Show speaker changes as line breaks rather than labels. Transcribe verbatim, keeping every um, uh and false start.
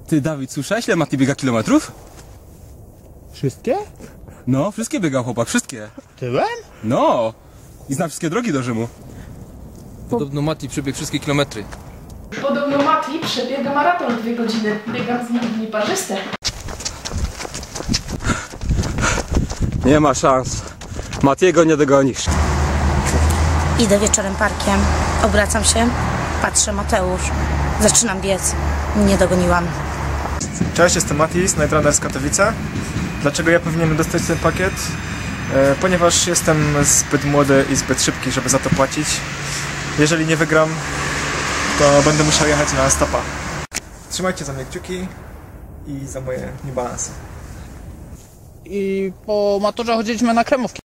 Ty, Dawid, słyszałeś, ile Mati biega kilometrów?
Wszystkie?
No, wszystkie biegał chłopak, wszystkie.
Tyłem?
No! I zna wszystkie drogi do Rzymu.
Podobno Mati przebiegł wszystkie kilometry.
Podobno Mati przebiega maraton w dwie godziny. Biegam z nim dni parzyste.
Nie ma szans. Matiego nie dogonisz.
Idę wieczorem parkiem, obracam się, patrzę, Mateusz. Zaczynam biec. Nie dogoniłam.
Cześć, jestem Mati z Night Runner z Katowice. Dlaczego ja powinienem dostać ten pakiet? E, ponieważ jestem zbyt młody i zbyt szybki, żeby za to płacić. Jeżeli nie wygram, to będę musiał jechać na stopa. Trzymajcie za mnie kciuki i za moje niebalansy.
I po maturze chodziliśmy na kremówki.